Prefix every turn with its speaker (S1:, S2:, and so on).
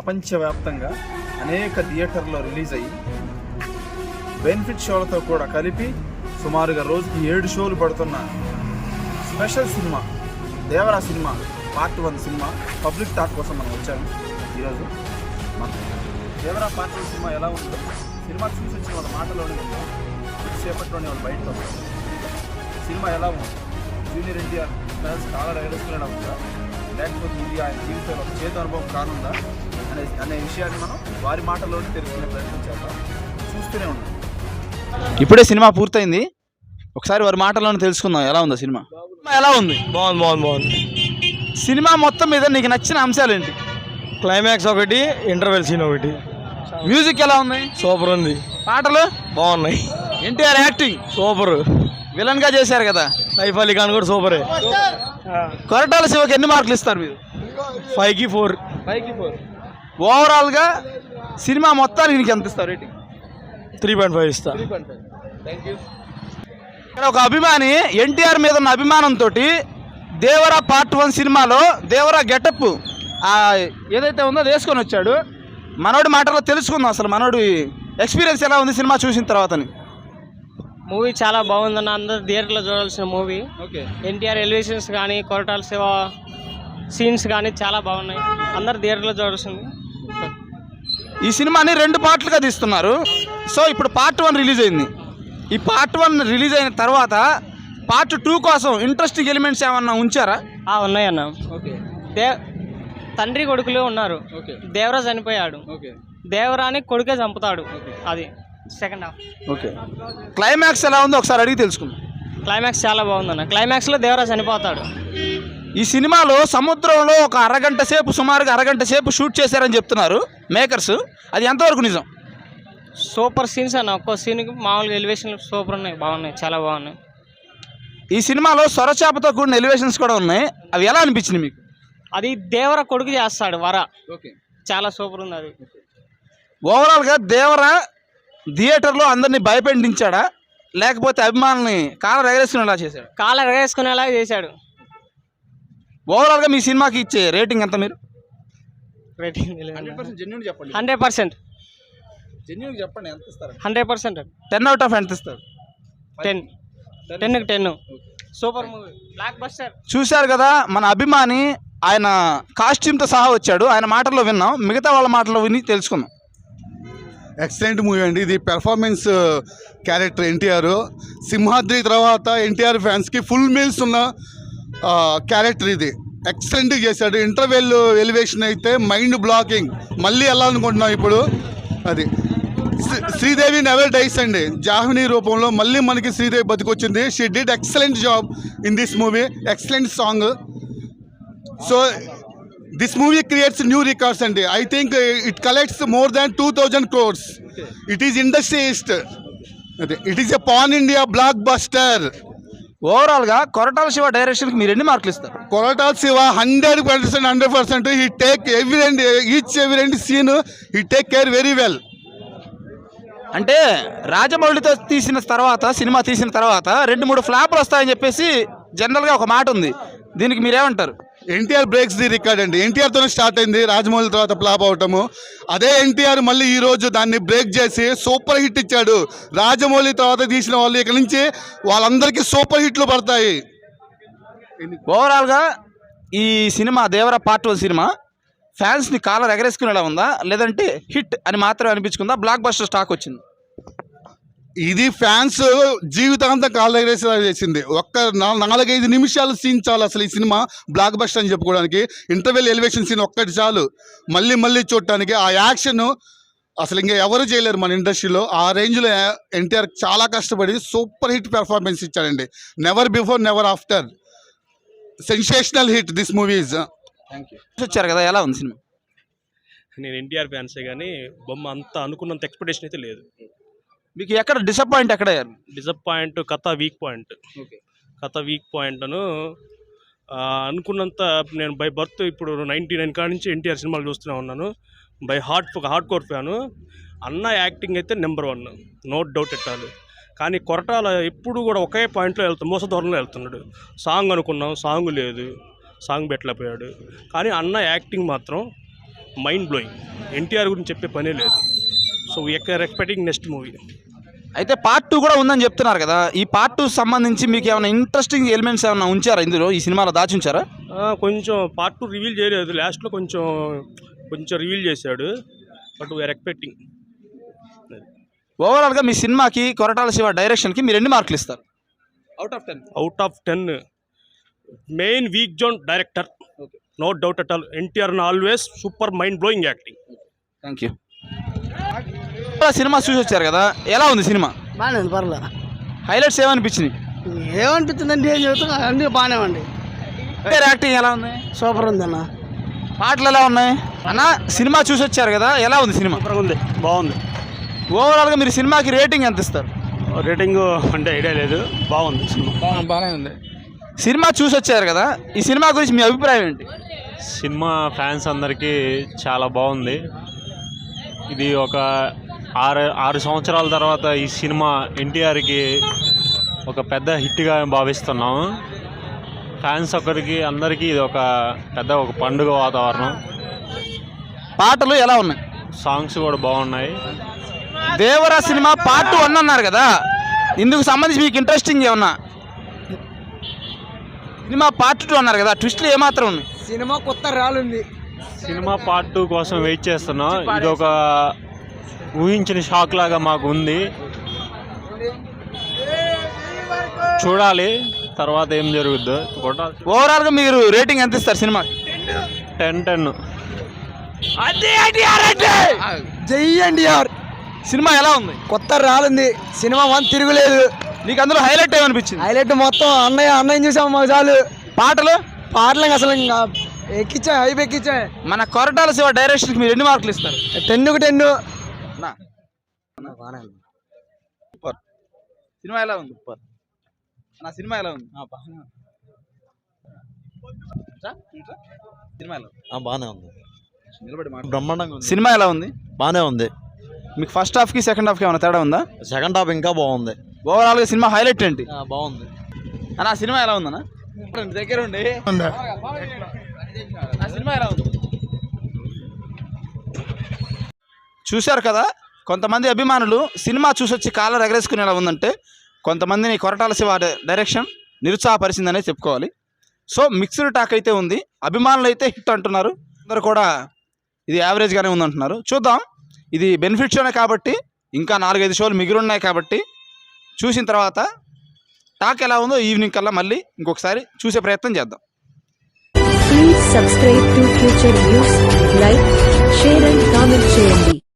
S1: ప్రపంచవ్యాప్తంగా అనేక థియేటర్లో రిలీజ్ అయ్యి బెనిఫిట్ షోలతో కూడా కలిపి సుమారుగా రోజుకి 7 షోలు పడుతున్న special cinema Devara cinema part 1 cinema public talk కోసం మనం వచ్చాము. ఈరోజు మన దేవరా పార్ట్ 1 సినిమా ఎలా ఉందో సినిమా చూసి వచ్చిన వాళ్ళ మాటలోనే ఉందో సేపట్లోనే వాళ్ళు బయటకు వస్తారు. సినిమా ఎలా ఉంది, జూనియర్ ఎన్టీఆర్ ఫ్యాన్స్ కాలర్ ఎగరేసుకునేలా ఉందా, లేకపోతే ఇది ఆయన జీవితంలో ఒక చేతి అనుభవం కానుందా అనే విషయాన్ని మనం వారి మాటల్లోనే తెలుసుకునే ప్రయత్నం చేద్దాం. చూస్తూనే ఉన్నాం. ఇప్పుడే సినిమా పూర్తయింది, ఒకసారి వారి మాటల్లోనే తెలుసుకుందాం ఎలా ఉందో సినిమా. ఎలా ఉంది?
S2: బాగుంది.
S1: సినిమా మొత్తం మీద నీకు నచ్చిన అంశాలు ఏంటి?
S2: క్లైమాక్స్ ఒకటి, ఇంటర్వెల్ సీన్ ఒకటి.
S1: మ్యూజిక్ ఎలా ఉంది?
S2: సూపర్ ఉంది.
S1: పాటలు
S2: బాగున్నాయి.
S1: NTR acting
S2: super.
S1: విలన్ గా చేశారు కదా,
S2: సైఫ్ అలీ ఖాన్ కూడా సూపరే.
S1: కొరటాల శివకి ఎన్ని మార్కులు ఇస్తారు మీరు?
S2: 5కి 4.
S1: ఓవరాల్ గా సినిమా మొత్తానికి నీకు ఎంత ఇస్తారు రేటింగ్?
S2: 3.5 ఇస్తా.
S1: ఇక్కడ ఒక అభిమాని ఎన్టీఆర్ మీద ఉన్న అభిమానంతో దేవరా పార్ట్ 1 సినిమాలో దేవరా గెటప్ ఏదైతే ఉందో అది వేసుకొని వచ్చాడు. మనోడి మాటలో తెలుసుకుందాం అసలు మనోడి ఎక్స్పీరియన్స్ ఎలా ఉంది సినిమా చూసిన తర్వాతని.
S3: మూవీ చాలా బాగుందన్న, అందరు థియేటర్లో చూడాల్సిన మూవీ.
S1: ఓకే.
S3: ఎన్టీఆర్ ఎలివేషన్స్ కానీ కొరటాల శివ సీన్స్ కానీ చాలా బాగున్నాయి, అందరు థియేటర్లో చూడాల్సింది.
S1: ఈ సినిమాని 2 పార్ట్లుగా తీస్తున్నారు. సో ఇప్పుడు పార్ట్ 1 రిలీజ్ అయింది. ఈ పార్ట్ 1 రిలీజ్ అయిన తర్వాత పార్ట్ 2 కోసం ఇంట్రెస్టింగ్ ఎలిమెంట్స్ ఏమన్నా ఉంచారా?
S3: ఉన్నాయన్న.
S1: ఓకే.
S3: తండ్రి కొడుకులు ఉన్నారు. దేవరా చనిపోయాడు, దేవరాని కొడుకే చంపుతాడు, అది సెకండ్ హాఫ్. ఓకే.
S1: క్లైమాక్స్ ఎలా ఉందో ఒకసారి అడిగి తెలుసుకుందాం.
S3: క్లైమాక్స్ చాలా బాగుందన్న. క్లైమాక్స్లో దేవరా చనిపోతాడు.
S1: ఈ సినిమాలో సముద్రంలో ఒక సుమారుగా అరగంట సేపు షూట్ చేశారని చెప్తున్నారు మేకర్స్. అది ఎంతవరకు నిజం?
S3: సూపర్ సీన్స్ అన్న, ఒక్కో సీన్కి మామూలుగా ఎలివేషన్లు సూపర్ ఉన్నాయి, బాగున్నాయి, చాలా బాగున్నాయి.
S1: ఈ సినిమాలో సొరచాపతో కూడిన ఎలివేషన్స్ కూడా ఉన్నాయి, అవి ఎలా అనిపించింది మీకు?
S3: అది దేవర కొడుకు చేస్తాడు వర. ఓకే. చాలా సూపర్ ఉంది అది.
S1: ఓవరాల్గా దేవరా థియేటర్లో అందరినీ భయపెట్టించాడా, లేకపోతే అభిమానుల్ని కాలర్ ఎగరేసుకునేలా చేశాడు?
S3: కాలర్ ఎగరేసుకునేలా చేశాడు.
S1: ఓవరాల్గా మీ సినిమాకి ఇచ్చే రేటింగ్ ఎంత మీరు?
S3: రేటింగ్
S1: 100%. జెన్యూన్ చెప్పండి, ఎంత ఇస్తారు?
S3: 100%.
S1: 10 out of ఎంత ఇస్తారు?
S3: 10కి 10. Super movie, blockbuster.
S1: చూశారు కదా మన అభిమాని, ఆయన కాస్ట్యూమ్తో సహా వచ్చాడు. ఆయన మాటల్లో విన్నాం, మిగతా వాళ్ళ మాటల్లో విని తెలుసుకుందాం.
S4: ఎక్సలెంట్ మూవీ అండి ఇది. పెర్ఫార్మెన్స్ క్యారెక్టర్ ఎన్టీఆర్, సింహాద్రి తర్వాత ఎన్టీఆర్ ఫ్యాన్స్కి ఫుల్ మీల్స్ ఉన్న క్యారెక్టర్ ఇది. ఎక్సలెంట్గా చేశాడు. ఇంటర్వెల్ ఎలివేషన్ అయితే మైండ్ బ్లాకింగ్. మళ్ళీ వెళ్ళాలనుకుంటున్నాం ఇప్పుడు. అది శ్రీదేవి నెవర్ డైస్ అండి. జాహ్నవి రూపంలో మళ్ళీ మనకి శ్రీదేవి బతికొచ్చింది. She did excellent job in this movie. Excellent song. So this movie creates new records అండి. I think it collects more than 2000 crores. It is industry east. It is a pan India blockbuster.
S1: ఓవరాల్గా కొరటాల శివ డైరెక్షన్కి మీరు ఎన్ని మార్కులు ఇస్తారు?
S4: Koratala Siva 100%. He take every scene he take care very well.
S1: అంటే రాజమౌళితో cinema తీసిన తర్వాత 2-3 ఫ్లాప్లు వస్తాయని చెప్పేసి జనరల్గా ఒక మాట ఉంది, దీనికి మీరేమంటారు?
S4: ఎన్టీఆర్ బ్రేక్స్ ది రికార్డ్ అండి. ఎన్టీఆర్తోనే స్టార్ట్ అయింది రాజమౌళి తర్వాత ఫ్లాప్ అవటము. అదే ఎన్టీఆర్ మళ్ళీ ఈరోజు దాన్ని బ్రేక్ చేసి సూపర్ హిట్ ఇచ్చాడు. రాజమౌళి తర్వాత తీసిన వాళ్ళు ఇక్కడ నుంచి వాళ్ళందరికీ సూపర్ హిట్లు పడతాయి.
S1: ఓవరాల్గా ఈ సినిమా దేవరా పార్ట్ 1 సినిమా ఫ్యాన్స్ని కాలర్ ఎగరేసుకునేలా ఉందా, లేదంటే హిట్ అని మాత్రమే అనిపించుకుందా, బ్లాక్ బస్టర్ స్టాక్ వచ్చింది?
S4: ఇది ఫ్యాన్స్ జీవితాంతం కాళ్ళు ఎగరేసేలా చేసింది. ఒక్క 4-5 నిమిషాలు సీన్ చాలు అసలు ఈ సినిమా బ్లాక్ బస్టర్ అని చెప్పుకోవడానికి. ఇంటర్వెల్ ఎలివేషన్ సీన్ ఒక్కటి చాలు మళ్ళీ చూడటానికి. ఆ యాక్షన్ అసలు ఇంకా ఎవరు చేయలేరు మన ఇండస్ట్రీలో. ఆ రేంజ్లో ఎన్టీఆర్ చాలా కష్టపడి సూపర్ హిట్ పెర్ఫార్మెన్స్ ఇచ్చాడండి. Never before never after. Sensational hit this movies.
S1: వచ్చారు కదా, ఎలా ఉంది సినిమా?
S2: నేను ఎన్టీఆర్ ఫ్యాన్సే కానీ బొమ్మ అంత అనుకున్నంత ఎక్స్పెక్టేషన్ అయితే లేదు.
S1: మీకు ఎక్కడ డిసప్పాయింట్
S2: డిసప్పాయింట్ కథ వీక్ పాయింట్ అను అనుకున్నంత. నేను బై బర్త్ ఇప్పుడు 99 కాడి నుంచి ఎన్టీఆర్ సినిమాలు చూస్తూనే ఉన్నాను. By hardcore fan. అన్న యాక్టింగ్ అయితే నెంబర్ 1, నో డౌట్ ఎట్టాలి. కానీ కొరటాల ఎప్పుడు కూడా ఒకే పాయింట్లో మోసధోరణిలో వెళ్తున్నాడు. సాంగ్ అనుకున్నాం, సాంగ్ లేదు, సాంగ్ పెట్టలేకపోయాడు. కానీ అన్న యాక్టింగ్ మాత్రం మైండ్ బ్లోయింగ్. ఎన్టీఆర్ గురించి చెప్పే పనే లేదు. So we are expecting next movie.
S5: అయితే పార్ట్ 2 కూడా ఉందని చెప్తున్నారు కదా, ఈ పార్ట్ 2 సంబంధించి మీకు ఏమైనా ఇంట్రెస్టింగ్ ఎలిమెంట్స్ ఏమైనా ఉంచారా ఇందులో, ఈ సినిమాలో దాచి ఉంచారా?
S2: కొంచెం పార్ట్ 2 రివీల్ చేయలేదు, లాస్ట్లో కొంచెం రివీల్ చేశాడు. But we are expecting.
S5: ఓవరాల్గా మీ సినిమాకి కొరటాల శివ డైరెక్షన్కి మీరు ఎన్ని మార్కులు ఇస్తారు?
S2: Out of 10 main weak zone director, no doubt at all. NTR always super mind blowing acting.
S5: Thank you. Cinema చూసి వచ్చారు కదా, ఎలా ఉంది సినిమా?
S6: బాగానే ఉంది, పర్లే.
S5: హైలైట్స్ ఏమనిపించినాయి?
S6: ఏమనిపిస్తుందండి, ఏం చెబుతున్నా అన్నీ బాగానే ఉంది.
S5: యాక్టింగ్ ఎలా ఉంది?
S6: సూపర్ ఉంది అన్న.
S5: పాటలు ఎలా ఉన్నాయి అన్న? సినిమా చూసి వచ్చారు కదా, ఎలా ఉంది సినిమా?
S2: సూపర్గా ఉంది, బాగుంది.
S5: ఓవరాల్గా మీరు సినిమాకి రేటింగ్ ఎంత ఇస్తారు?
S2: రేటింగ్ అంటే ఐడియా లేదు, బాగుంది సినిమా.
S5: బాగానే ఉంది. సినిమా చూసి వచ్చారు కదా, ఈ సినిమా గురించి మీ అభిప్రాయం ఏంటి?
S7: సినిమా ఫ్యాన్స్ అందరికీ చాలా బాగుంది. ఇది ఒక 6 సంవత్సరాల తర్వాత ఈ సినిమా ఎన్టీఆర్కి ఒక పెద్ద హిట్గా భావిస్తున్నాము. ఫ్యాన్స్ ఒకరికి అందరికీ ఇది ఒక పండుగ వాతావరణం.
S5: పాటలు ఎలా ఉన్నాయి?
S7: సాంగ్స్ కూడా బాగున్నాయి.
S5: దేవరా సినిమా పార్ట్ 1 అన్నారు కదా, ఇందుకు సంబంధించి మీకు ఇంట్రెస్టింగ్ ఏమన్నా? సినిమా పార్ట్ 2 అన్నారు కదా, ట్విస్ట్లు ఏమాత్రం ఉన్నాయి?
S6: సినిమా కొత్త రాలుంది.
S7: సినిమా పార్ట్ 2 కోసం వెయిట్ చేస్తున్నాం. ఇది ఒక ఊహించిన షాక్ లాగా మాకు ఉంది. చూడాలి తర్వాత ఏం జరుగుద్దో.
S5: ఓవరాల్గా మీరు రేటింగ్ ఎంత ఇస్తారు సినిమా?
S7: 10/10.
S6: జై ఎన్టీఆర్.
S5: సినిమా ఎలా ఉంది?
S6: కొత్త రాలుంది. సినిమా 1 తిరుగులేదు.
S5: నీకు అందులో హైలైట్ ఏమనిపించింది?
S6: హైలైట్ మొత్తం అన్నయ్య చూసాము, మాకు చాలు.
S5: పాటలు
S6: అసలు ఇంకా ఎక్కించా, హైప్ ఎక్కించా.
S5: మన కొరటాల శివ డైరెక్షన్కి మీరు ఎన్ని మార్కులు ఇస్తారు?
S6: 10కు 10.
S5: సూపర్. సినిమా ఎలా ఉంది? సూపర్. నా సినిమా ఎలా ఉంది? సినిమా ఎలా ఉంది?
S8: బాగానే ఉంది,
S5: నిలబడి
S8: బ్రహ్మాండంగా ఉంది.
S5: సినిమా ఎలా ఉంది?
S8: బాగానే ఉంది.
S5: మీకు ఫస్ట్ హాఫ్కి సెకండ్ హాఫ్కి ఏమైనా తేడా ఉందా?
S8: సెకండ్ హాఫ్ ఇంకా బాగుంది.
S5: ఓవరాల్గా సినిమా హైలైట్ ఏంటి?
S8: బాగుంది.
S5: నా సినిమా ఎలా ఉందన్నా? దగ్గర ఉండి నా సినిమా ఎలా ఉంది? చూశారు కదా, కొంతమంది అభిమానులు సినిమా చూసొచ్చి కాలర్ ఎగరేసుకునేలా ఉందంటే, కొంతమందిని కొరటాల శివ డైరెక్షన్ నిరుత్సాహపరిచిందనే చెప్పుకోవాలి. సో మిక్స్డ్ టాక్ అయితే ఉంది. అభిమానులు అయితే హిట్ అంటున్నారు, అందరు కూడా ఇది యావరేజ్గానే ఉందంటున్నారు. చూద్దాం. ఇది బెనిఫిట్ షోనే కాబట్టి, ఇంకా 4-5 షోలు మిగిలి ఉన్నాయి కాబట్టి, చూసిన తర్వాత టాక్ ఎలా ఉందో ఈవినింగ్ కల్లా మళ్ళీ ఇంకొకసారి చూసే ప్రయత్నం చేద్దాం.
S9: Please subscribe to Future News, like, share and comment చేయండి.